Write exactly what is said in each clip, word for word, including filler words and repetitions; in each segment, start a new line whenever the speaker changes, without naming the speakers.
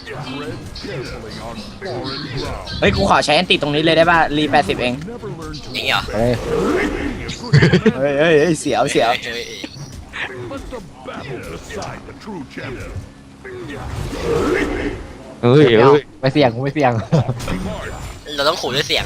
เฮ้ยกูขอใช้แอนติตรงนี้เลยได้ป่ะรีแปดสิบเอง
อย่างงี้เหรอ
เฮ้ย
เฮ้ยเฮ้ยเฮ้ยเสียวเสียว
ฮ้ย
เฮ้ย
ไม่
เฮ้ย
ไม่เสี่ยงกูไม่เสี่ยง
เราต้องขู่ด้วยเสียง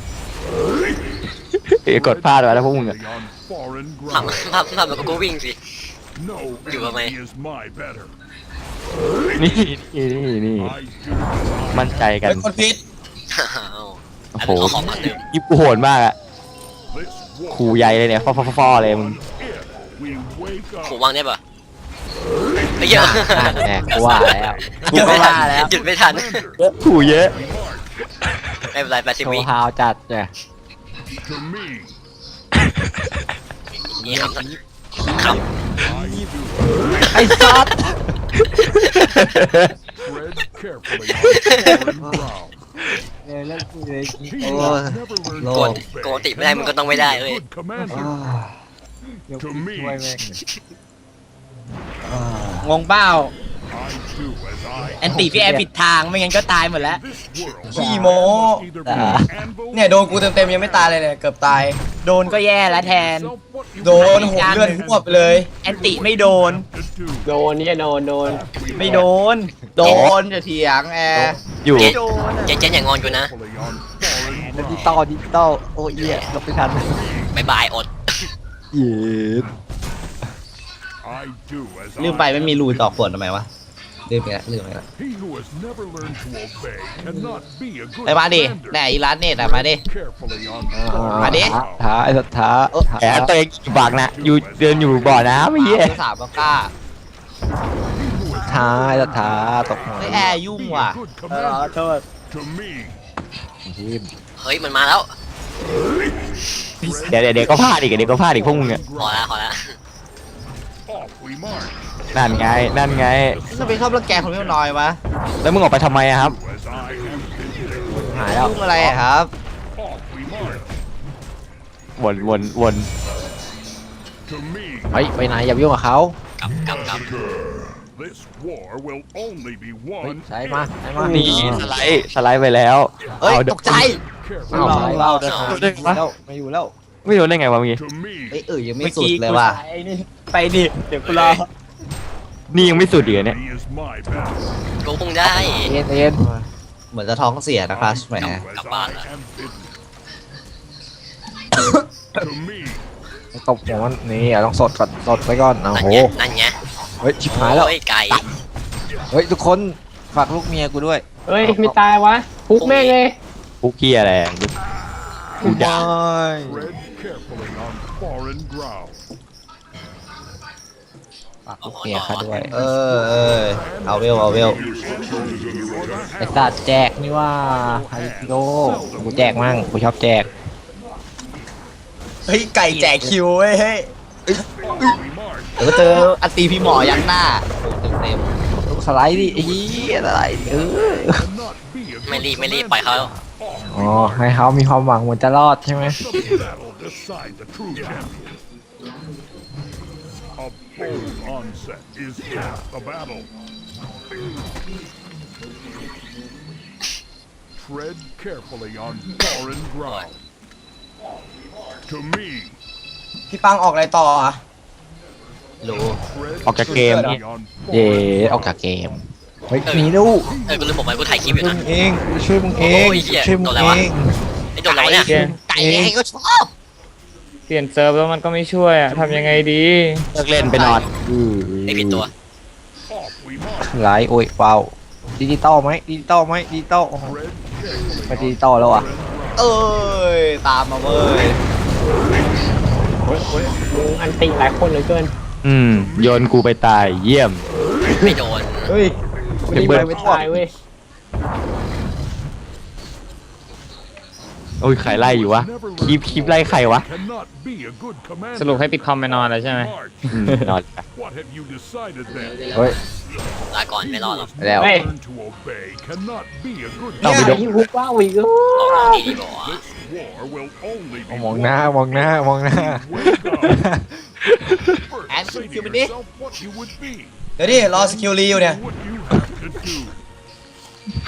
เอ้ยกดพลาดไปแล้วพวกมึงอะ
ทำทำทำแล้วก็วิ่งสิ อยู่ทำไม
นี่นี่นี่นี่มั่นใจกัน
เป็นคนพิษ
อ้าว
โอ้
อัน
โห
นั้นเอาของมาเติม
ยิบกูโหดมากอะขู่ใหญ่เลยเนี่ยฟอฟอฟอเลยมึง
ขู่วางได้ปะไอ้เหี้ย
แหมกูว่าแล้ว
กูก็ว่าแล้ว
หยุดไม่ทัน
ขู่เยอะ
ไม่เป็นไรแปดสิบ
โช
วิ
ว์ฮาวจัดเนี่ย
นี่คำค
ไอ้ซัด เออเล่นกูเลยโอ้ย
ำโกนโกนติไม่ได้มึงก็ต้องไม่ได้เว้ย
เดี๋ยวกูช่วยแม่ง
งงเป้าแอนติพี่แอร์ผิดทางไม่งั้นก็ตายหมดแล้วขี้โมเนี่ยโดนกูเต็มๆยังไม่ตายเลยเนี่ยเกือบตาย โดนก็แย่แล้วแทน โดนหัวเลือดหัวไปเลยแอนติไม่โดน
โดนเนี่ยโดนโดน
ไม่โดน โดนจะเถียงแอร์
อยู่
เจ๊
โดน
เจ๊เจ๊อย่างงอนกูนะ
ดิจิตอลดิจิตอลโอ้ยเหี้ยหลบไม่ทัน
บายบายอด
เย็ด
ลืมไปไม่มีรูต่อขวดทำไมวะลืมไปแล้วลืมไปแล้วไปมาดิแหน่อีร้านเน็ตอะมาดิ มาดิ
ท้าไอ้สัตว์ท้า
แอบตัวเองอยู่บากนะอยู่เดินอยู่บ่อน้ำไอ้เหี้ย
สามก็กล้า
ท้าไอ้สัตว์ท้าตกหัว
ไม่แอร์ยุ่งว่ะเออโทษ
ทีม
เฮ้ยมันมาแล้ว
เดี๋ยวเดี๋ยวเดี๋ยวก็พลาดอีกเดี๋ยวก็พลาดอีกพวกมึงอะ
พอแล้วพอแล้ว
นั่นไงนั่นไง
จะไปชอบรังแกคนไม่น้อยวะ
แล้วมึงออกไปทำไมอะครับ
หายแล้ว
ยุ่งอะไรอะครับ
วนวนวน
เฮ้ยไปไหนอย่าไปยุ่งกับเขา
กลับกลับกลับ
เฮ้ยใช้มาใช้มา
นี่สไลด์สไลด์ไปแล้ว
เอ้ย
อา
ตกใจ
เอา
เรา
เรา
เรา
เดิน
เอาเดินมา
แล้วไม่อยู่แล้ว
ไม่รู้ได้ไงวะเมื่อกี้
เอ้ยเออยังไม่สุดเลยว่ะ
ไปดิเดี๋ยวกูรอ
นี่ยังไม่สุดอีกเหรอเนี่ย
กูคงได้
เอ็นเอ็น
เหมือนจะท้องเสียนะครับแหม
กลับบ้านแล้ว
ตบหัวมันนี่อ่ะต้องสดก่อนสดไปก่อนโอ้
นั่น
โห
ไงนั่นไง
เฮ้ยชิบหายแล้ว
โอ้ไก่
เฮ้ยทุกคนฝากลูกเมียกูด้วย
เฮ้ยไม่ตายวะพุกแม่งเลย
พวกเกียอะไรกูด่า
ฝากลูกเมียเขาด้วย
เออเออเอาเวลเอาเวล
ไอ้สัตว์แจกนี่ว่าไฮโลกูแจกมั่งกูชอบแจก
เฮ้ยไก่แจกคิวเว้ยเฮ้ยเดี๋ยวก็เจออันตีพี่หมอยักหน้าโอ้เต็มเต็ม
ลูกสไลด์ดิไอ้เหี้ยสไลด์ดิเออ
ไม่รีบไม่รีบปล่อยเขา
อ๋อให้เขามีความหวังเหมือนจะรอดใช่ไหม
A bold onset is half the battle. Tread carefully on foreign ground. To me,
พี่ปังออกอะไรต่ออะรู้
tread
ออกจากเกมนี่
carefully on
เย่
foreign
ออกจากเกมเฮ้ยหนีดู
เออกูลืมบอกไปกูถ่ายคลิปอยู่
ช่วย
นะ
มึงเองช่วยมึงเอง
โอ้ยเหี้ย
ช่วยมึง
โดนอะไร
เอ
วะ
ง
ไอ้โดนอะไรวะเนี่ย
ไก่ไงก็ชอบ
เปลี่ยนเซิร์ฟแล้วมันก็ไม่ช่วยอะทำยังไงดี
เลิกเล่นไปนอน
ไอ้ผิดตัว
off we march.
ไลท์โอ้ยเปล่าดิจิตอลไหมดิจิตอลไหมดิจิตอลโอ้โห
Tread
ไม่
carefully
ดิจิตอลแล้วอ่ะ
เอ้ยตามมาเว้ย
มึงอันติหลายคนเหลือเกิน
อืมโยนกูไปตายเยี่ยม
ไม่โดน
เฮ้ย
เดี๋ยวเบิร์ด
ไม่ตายเว้ย
โอ้ยใครไล่อยู่วะ คลิปคลิปไล่ใครวะ
cannot be a good commander.
สรุปให้ปิดคอมไปนอนแล้วใช่ไหม
March.
อืมนอนไป
What have you decided then?
เฮ้ย
ลาก่อนไม่รอดหรอก
แล้ว
เฮ้ย
Learn to obey cannot be a good
ต้องไปดู
ไอ้ฮุกว้าวอีกแล้ว
ออกมาดีดีบอกว่า
This war will only be
มองหน้ามองหน้ามองหน้า
Wake up. First,
And
say to
security.
yourself what you would be.
เดี๋ยวดิรอสกิลรีอยู่เนี่ย
What you have to do.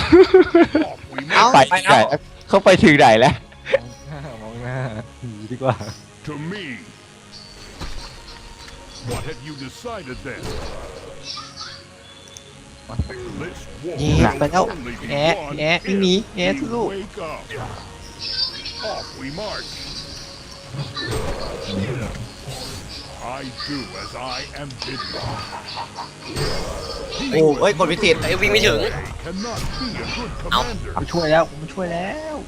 Off we
เอ้า
march.
ไปถึงไหนแล้วเขาไปถึงไหนแล้ว
มองหน้าหนีดีกว่า
To me. What have you decided then? This war
แย่ไปแล้ว
can only be
แย่
won
แย่วิ่งหนีแย่
if
ทุ
you
ลูก
wake up. Off we march. I do as I am bidden.
โอ้เอ้ยกดพิธี
ไอ้ยวิ่งไม่ถึง
They cannot be a good commander.
ผมช่วยแล้วผมช่วยแล้ว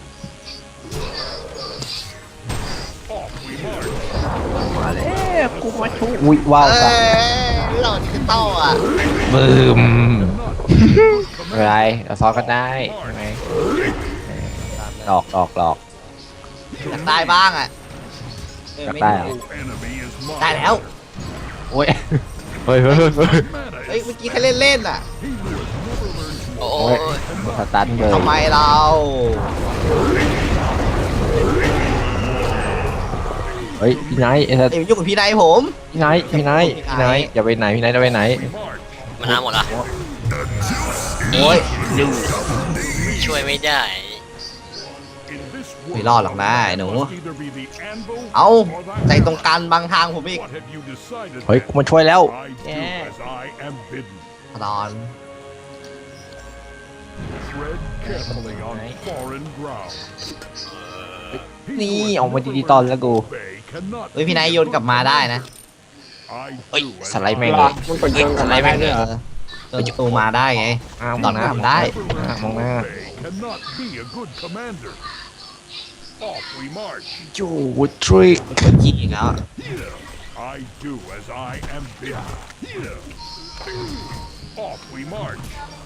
Off we march.
มาแล้วกูมาช่วยอุ้ยว้าว
เอ้
สัส
ยเราดิจิตอลอ่ะ
บึม
Cannot be a good
ไม่เป็นไร
commander.
เราซ้อนกันได้ใช่ไหมหลอกหลอกหลอก
อยากได้บ้างอ่ะเออ
อยาก
ไม่
ได้
ได้
เหรอ
Enemy is mine.
ได้แล้ว
โอ้ย
เฮ้ยเฮ้ยเฮ้ยเฮ้ย
เฮ้ยเมื่อกี้แค่เล่นเล่นๆอ่ะ
โอ้
โอ้ย
ย
สตันเลย
ทำไมเรา
เฮ้ยพี่ไนท์ไอ้สัส
เอ้ยยุ่งกับพี่นายผม
พี่ไนท์พี่ไนท์พี่ไนท์อย่าไปไหนพี่ไนท์จะไปไหน
มันน้ำหมดละ
โอ้ย
ช่วยไม่ได้
ไม่รอดหรอกนะไอ้หนู
Either be the anvil
เอาใจตรงกลางบางทางผมอีก
What have you decided?
เฮ้ยกูมาช่วยแล้ว
I do as I am bidden.
ตอน
Tread carefully on foreign ground.
นี่ออกมาดีๆตอนแล้วกู
Obey cannot
เฮ้ยพี่นายโยนกลับมาได้นะ
I
เฮ้ย
do as
สไลด์แม่ง
I
เลย
มันกดโยน
สไลด์แม่งเลยเหรอ
โยนประตูมาได้ไง
อ้าวม
ตอ
อน งห
นั้น
น้า
ทำได้
อ่ะมองหน้า
obey cannot be a good commander. Off we march.
จูดทริก
กดจีอีกแล้ว
I do as I am bidden. Off we march.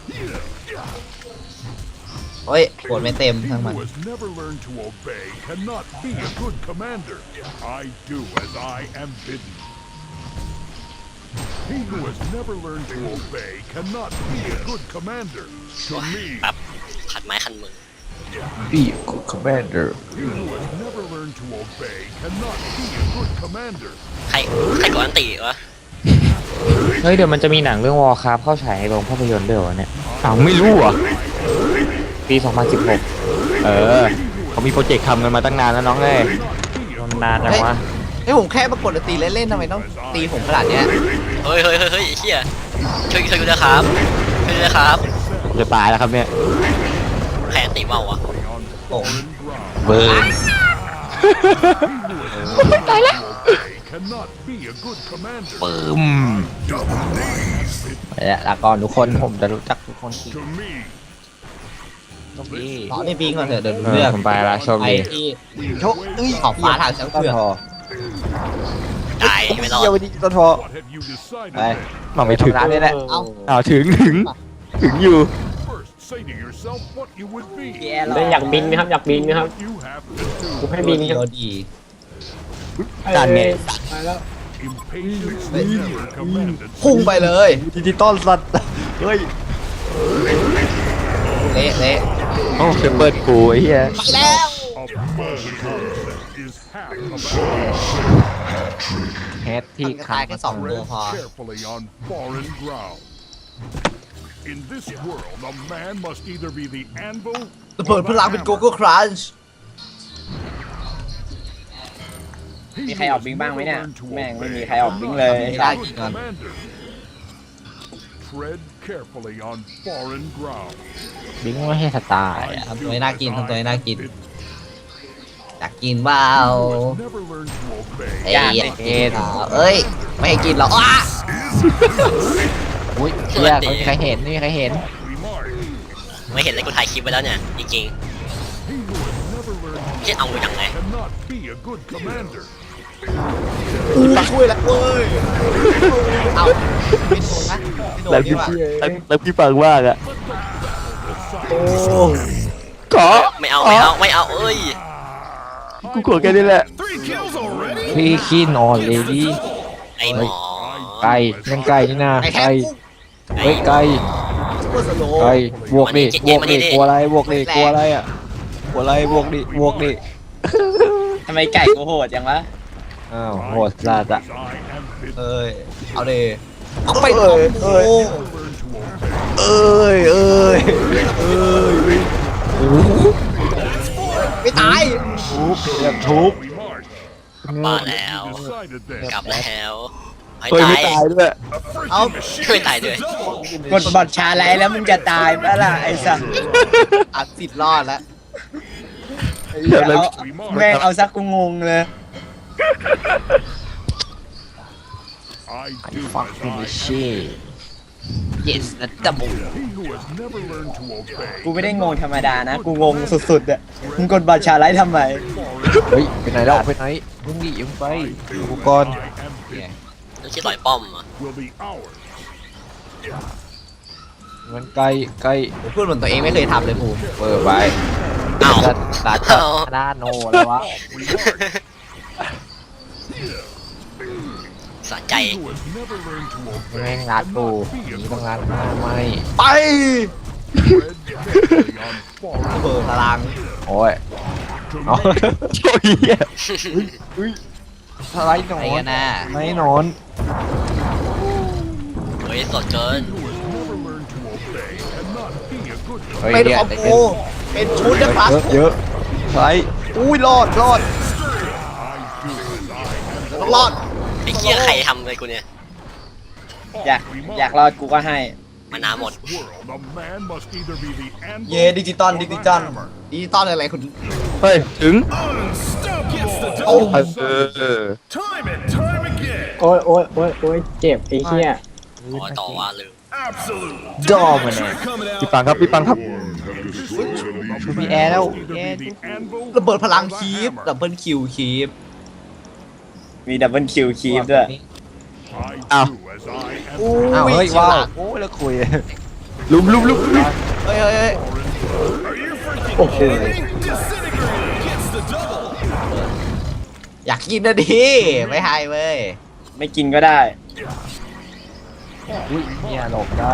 เฮ้ยกดไม่เต็มทั้งมัน
Who has never learned to obey cannot be a good commander. I do as I am bidden. He who has never learned to obey cannot be a good commander. To me,
แบบขัดไม้ขันมือ
พี่กูคอมแมนเดอร์
he who has never learned to obey cannot be a good commander.
ใครใครก่อนอันติวะ
เฮ้ยเดี๋ยวมันจะมีหนังเรื่องวอร์คราฟเข้าฉายในโรงภาพยนตร์ด้วยวะเนี่ย
อ้าวไม่รู้เหรอ
ปีสองพันสิบหก
เออเขามีโปรเจกต์ทำกันมาตั้งนานแล้วน้องเอ้ย
นานจังวะ
เฮ้ยผมแค่มากดตีเล่นๆทำไมต้องตีผมขนาดเนี้ย
เฮ้ยเฮ้ยเฮ้ยเฮ้ยไอ้เฮียช่วยช่วยกูด้วยครับช่วยด้วยครับ
ผมจะตายแล้วครับเนี่ย
ใครอันติเมาวะ
โอ้
เบิร์น
Obey cannot be a good commander.
ปึ้มไปแล้วลาก่อนทุกคนผมจะรู้จักทุกคนที่
To me,
โชคดี
รอให้บิงก่อนเถอะเดี๋ยว
เอ
เลื
อ
อก
ผมไปละโชค
ไป
ดี
ที่โชคเอ้ยขอบฟ้าทางช้าง
ต้น
เผือก
พอ
ตายไม่รอด
เยี่ยวไปดีต้นพอ
what have you decided?
ไป
then?
มาไม่ถึง
ร้านนี้แหละ
เอ้า
อ้าวถึงถึงถึงอยู่
First, say to yourself what you would be.
แย่หร
เล่นอยากบินไหมครับอยากบินไหมครับ
What you have to
กูให้บินค
ดี
รับ
ดี
นั่นไง
do. Impatience never commanded.
พุ่งไปเลย
ดิจิตอลสัตว์เฮ้ย
เละเละ
โอ้เซเปิลกูไอ้เหี้ย
ไปแล้ว
A bold concept is half a battle.
แฮทที่
มันก็
ขา
ตายแค่สองตัว
Tread
พอ
carefully on foreign ground. In this world, a man must either be the anvil
ระเบิดพลังเป็นโกโก้ครันช์
มีใครออกบิงบ้างไหมเนี่ย แม่งไม่มีใครออกบิงเลย
ไม่ได้จริงก่อน
Tread carefully on foreign ground.
บิงไม่ให้สไตล์อะ
ทำตัวให้น่ากินทำตัวให้น่ากินอยากกินว้าว
Never learn to obey.
เอ้ยอยากกินอ่ะเอ้ยไม่ให้กินหรอกอ้า
อุ้ยเชี่ยไม่มีใครเห็นไม่มีใครเห็น
We march.
ไม่เห็นเลยกูถ่ายคลิปไว้แล้วเนี่ยจริง
He who has never learned
ๆที่เอาไปยังไง
cannot be a good commander.
อู้ช่วยแล้วเว้ยเอาไม่โดนนะไม่โดน
แล้ว
ดี
พี่
กว่า
แล้วพี่ฟังมากอะ
โอ้
ขอ
ไม่เอาไม่เอาไม่เอาเอ้ย
กูกดแค่นี้แหละ
พี่ขี้นอนเลยดิ
ไอ้หมอ
ไก่นั่นไก่นี่นะ
ไอ้แค่
ไก่เฮ้ยไก่
ซุปเปอร์สโลว์
ไก่บวกดิบวกดิกลัวอะไรบวกดิกลัวอะไรอ่ะกลัวอะไรบวกดิบวกดิ
ทำไมไก่กูโหดจังวะ
อ้าวโหดสัตว์อะ
As I am bidden.
เอ้ยเอาดิเอาไป
เอ้ย
โอ้
เอ้ย
Never learn to obey.
เอ้ยเอ้ยเอ้ย
ไม่ตาย
เรียบทุบ
We march.
มาแล้ว
Decided this.
กลับแล้วไม่
เฮ้ย
ตา
ไม่
ย
ตายด้วย
เอา
ไม่ตายด้วย
กดบอดชาไลแล้วมึงจะตายปะล่ะไอ้สัสอัดสิทธิ์รอดแล้ว
เดี๋ยวเลย
เอาแม่งเอาซักกูงงเลย
I do
Fuck
as
in
I
the
am.
shit
yes นะดับบุ
He who has never learned to obey.
กูไม่ได้งงธรรมดานะ กูงงสุดๆอ่ะมึงกดบอดชาไลทำไม
เฮ้ยไปไหนแล้วไปไหนมึงดิมึงไปกูก่อน
I am bidden
ไม่ใช่ต่อยป้อมอ่ะ
will be ours.
มันใกล้ใกล้
พูดเหมือนตัวเองไม่เคยทำเลยกู
เปิดไป
เอ้า
ตาตาตาโนแล้ววะ
We march.
สะใจ
He who has never learned to
แม่ง
obey
งัดกู
cannot be
ห
a
นี
good
ต้องงัด
commander.
หน้าไม่
ไป
Tread carefully on foreign
เปิดพลัง
โอ้ย
to
เอา
me.
โอ้ยเหี้ย
สไลด์หนอนไม่หนอน
เฮ้ยสดเกิน
Who has never learned to obey cannot be a good
เฮ้ย
เป็น
เนี่ย
คอมโบเป็นชุดนะครับ
เยอะเยอะสไลด์
อุ้ยรอดรอด
I do as I am.
ต้องรอด
ไอ้เหี้ยใครทำเลยกูเนี่ย
อยากอยากรอดกูก็ให้
มานาหมด
World, a man must either be the anvil
เย่ดิจิตอลดิจิตอลดิจิตอลอะไรคุณ
เฮ้ยถึง
โอ้
เออเออ
time and time again.
โอ้ยโอ้ยโอ้ยโอ้ยเจ็บไอ้เหี้ย
อ๋อต่อว่าลืม
Absolute.
ดอมันเนี่ย
พี่ปังครับพี่ปังครับ
มีแอร์แล้ว
Either
แอร์
be the anvil
ระเบิดพลัง
or the
คีฟ
hammer.
ดับเบิลคิวคีฟมีดับเบิลคิวคีฟด้วย
I
Ow.
do as I am.
อู้
อ้าวเฮ้ย
ฉ
ว้าว
ลาด
โอ้ยแล้วคุย
ลุมลุมลุมลุม
เฮ้ยเฮ้ยเฮ้ย
โอ้โห
อยากกินนะดิไม่ให้เว้ยไม่กินก็ได้
อุ้ยเนี่ยหลบได้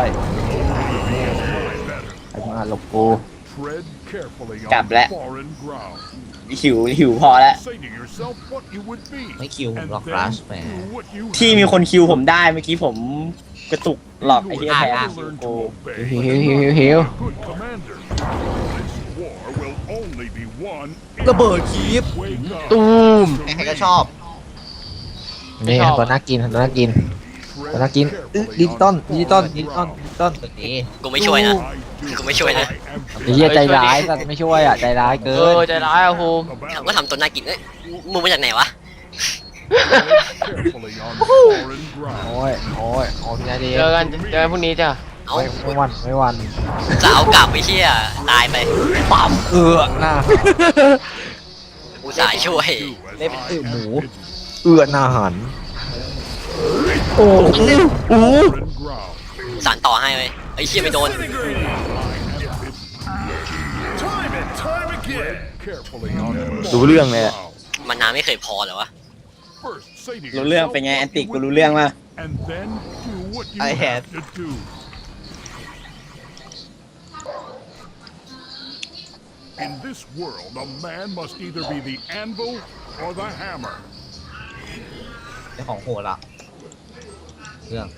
ไอ้มาหลบกู
Tread carefully on
Cặp lại.
foreign ground.
หิวหิวพอแล้ว
Say to yourself what you would be.
ไม่คิวผม
and
หรอก
then
ครัชแหม
do what you
ที่
have
มีคนคิวผมได้เมื่อกี้ผมกระตุกหลอก
to
ไอ้
do.
เหี้ย
You
แท
have
น
to learn
กู
to
หิว
obey.
หิวหิวหิวหิว
Good commander. This war will only be won
ระเบิดคีฟ
Wake up.
ตูม
ใครๆก็ชอบ
นี่ตัวน่ากินตัวน่ากินตัวน่ากินอึ๊ะดิจิตอลดิจิตอลดิจิตอลดิจิตอล
นี่
กูไม่ช่วยนะ
I do
กูไม่ช่วยนะ
as I am
ไอ้เหี้ยใจร้ายสัตว์ไม่ช่วยอ่ะใจร้ายเกิ
เอน อใจร้ายอะภูมิ
เขาก็ทำตัวน่ากินเอ้ยมึงมาจากไหนวะ
carefully on foreign ground.
โอ้ยโอ้ยโอ้ยพี่นาดี
เจอกันเจอกันพรุ่งนี้จ้ะ
เอ้า
ไม่ไม่วันไม่วัน
จะเอากลับไปเชี่ยตายไป
ปั๊มเอือหน้า
อุตส่าห์ช่วย
Do as
เล่น
I
ตื่นหมู
am bidden.
เอือหน้าหัน
โอ้โห
Foreign ground.
สารต่อให้เว้ยไอ้เชี่ยไม่โดน
Time and time again. Carefully on
รู้เรื่องเลยอะ
มานาไม่เคยพอเหรอวะ
First, say to
รู้เรื่อง
yourself
เป็นไง
what
แอนติ
you
กู
would
รู้เรื่องมา
and then do what you
I
have
had.
to do. In this world, a man must either be the anvil or the hammer.
เป็นของโหดละเรื่อง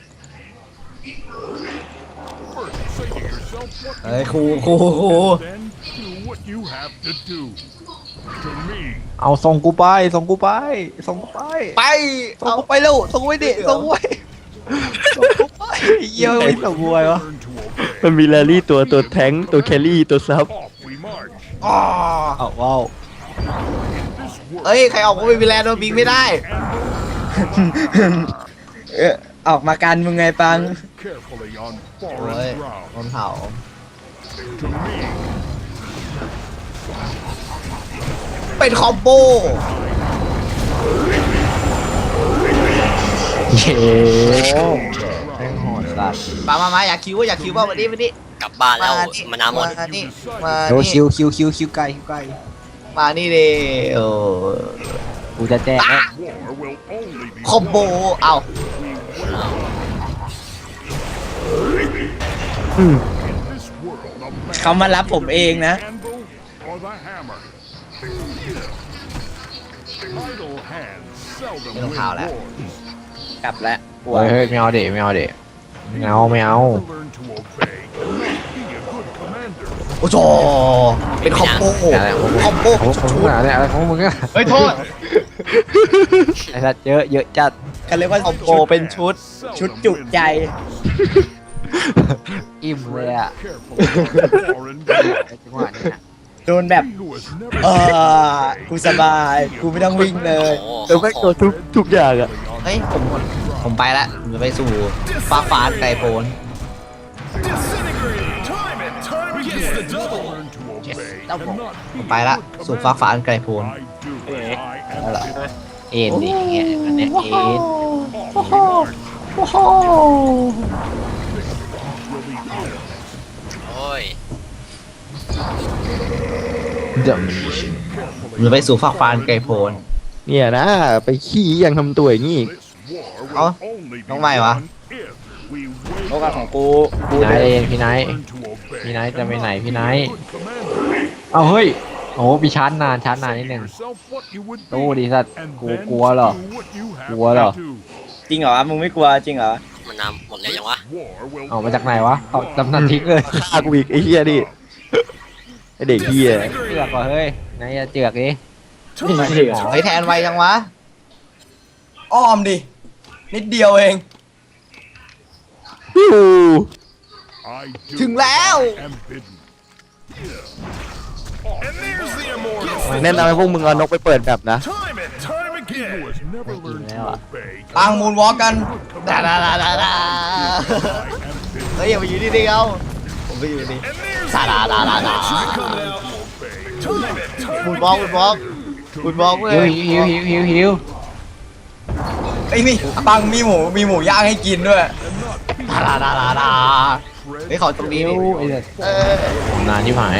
First, say to yourself what you
เฮ้ย
would
ครู
be,
ครูครู
and then do what you have to do. To me,
เอาส่งกูไปส่งกูไปส่งกูไป
ไป
ส่งกูไปเร็วส่งกูไปดิส่งกูไปส่งกูไปเยี่ยมไม่ส่งกูไปวะ
learn to obey.
มันมีแรลลี่ตัวตัวแทงค์ตัวแครี่ตัวซับ
Off we march.
อ๋อ
เอาว้าว
This world,
เอ้ย ใครออกมาเป็นวิลแลนโดนบิงไม่ได้ เออออกมากันมึงไงปัง
carefully on
โอ้ย
foreign ground.
โดนเผา
To me,
เป็นคอมโบ
เย้แม่งโหดสัตว์
มามามาอยากคิวว่าอยากคิวว่าวันนี้วันนี้
กลับบ้านแล้ว
มานี่
มานาหมด
มานี่มา
เร็ว
นี่
คิวคิวคิวคิวไกลคิวไกล
มานี่เลยโอ้
กูจะแจกแล้ว
war will only be
คอมโบ เอา
in this world. A man
เขามารับผมเองนะ
anvil or the hammer. Idle hands seldom
Cái đồng
win
hào lại.
wars.
กลับแล้วกลัว
เฮ้ยเฮ้ยไม่เอาเด็ไม่เอาเด็ไม่เอาไม่เอา
Never learn to obey cannot be a good commander.
โอ้โหเป็นคอมโบ
อะไรของมึง
คอมโบ
ของมึงอะไรอะไรของมึงอะ
เฮ้ยโทษ
ไอ้สัตว์เยอะเยอะจัด
กันเรียกว่าคอมโบเป็นชุดชุดจุใจ
อิ่มเลยอ่ะ
Foreign ground.
ไอ้จังหวะเนี้ย
โดนแบบ
He who has never
เออกูสบายกูไม่ต้องวิ่งเล
โอ้
ย
โห
เออแม่งโดนทุกทุกอย่างอะ
เฮ้ยผมผมไปละผมจะไปสู่ฟ้าฟ้าไกลโพ้น
learn to obey cannot
ผมไปละสู่ฟ้าฟ้าไกลโพ้น
I do as I am
นั่นแหละ
เอ็นดิอย่างเงี้ยอันเนี้ยเอ็น
โอ้ย
เดอะมิช
ผมจะไปสู่ฟ้าฟ้าไกลโพ้น
เนี่ยนะ ไปขี้ยังทำตัวอย่างงี้อีก
This war
เอ้า
will only be
น้องใหม่วะ
won if we wake
โอกาสของกูกู
พี่ไนท์เองพี่ไนท์
learn to obey.
พี่ไนท์จะไปไหนพี่ไนท์
Good commander.
เอาเฮ้ยโอ้มีชาร์จนานชาร์จนานนิดนึง
Yourself what you would
ตู้
be,
ดีสัตว์
and
กู
then
กลัวเหรอ
do what you have
กลัวเหรอ
to do.
จริงเหรอมึงไม่กลัวจริงเหรอ
มันนำหมดเลยยังวะ
War will
เอามาจากไหนวะเอาจำนันทิ้งเลย
ฆ่ากูอีกไอ้เหี้ยดิไอ้เด็กเหี้ย
เจือกว่ะเฮ้ยไหนจะเจือกดิ
ไม่เชื่อ
ไอ้ยแทนไวจังวะอ้อมดินิดเดียวเอง
ฮิว
I do
ถึงแล้ว
am bidden.
แนะนำให้พวกมึงเอานกไปเปิดแบบนะ
He who has never learned to obey
ปังมูนวอล์กกัน
cannot
ดาดาดาดาดา
I am bidden.
เฮ้ยอย่าไปอยู่ที่นี่เอาผมไปอยู่นี่ดาดาดาดาดา
Obey.
มูนวอล์กมูนวอล์กมูนวอล์กเว้
หิวย หิวหิวหิวหิว
ไอ้ยมีปังมีหมูมีหมูย่างให้กินด้วยดาดาดาดาดาเฮ้ยเขาตรงนี้
หิ
นี่
วไอ้สัตว์
เออน
านที่หาย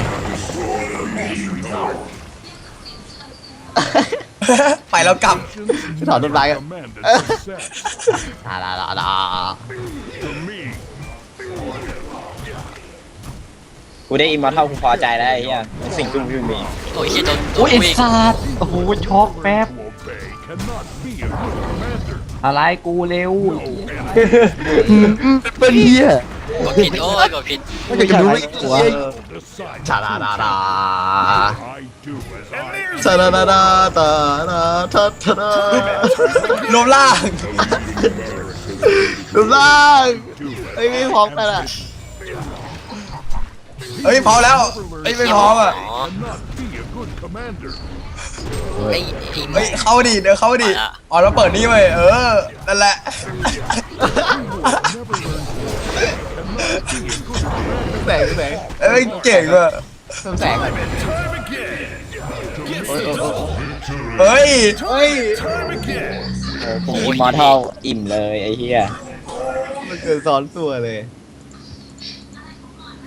ไปแล้วกลับถอดต้นไม้กัน
Commanded success
ดาดาดาดา
to me.
กูได้อิมมอร์ทัลกูพอใจแล้วไอ้เหี้ยสิ่งที่กูมี
โอ้ยเฮียโดนโด
อุ้
น
ยไอ้
วิ่ง
สัตว์โอ้โหช็อกแป๊บ
To obey cannot be a good commander.
อะไรกูเร็ว
เป็นเหี้ย
กดผิดโอ้ยกดผิด
ไม่อยากจะรู้ไม่กลัว
Decide.
ชาดาดาดา
I do as I
ชาดาดาดาดาดาทาทาดารวมล่างรวมล่างเฮ้ยไม่พร้อมกันอ่ะเฮ้ยพร้อมแล้วเฮ้ยไม่พร้อมอ่ะ
อ๋อ
cannot be a good commander.
ไอ้ไอ้
เฮ้ยเข้าดิเดี๋ยวเข้าดิ
ไปละ
อ๋อแล้วเปิดนี่เว้ยเออนั่นแหละ
Never learned to obey cannot be a good commander.
แสงแสงเอ้ยเก่งว่ะเพิ่มแสงหน่อยเฮ้ยเฮ้ย
Time again.
ผมอิมมอร์ทัลอิ่มเลยไอ้เหี้ยมันเกิดซ้อนตัวเลย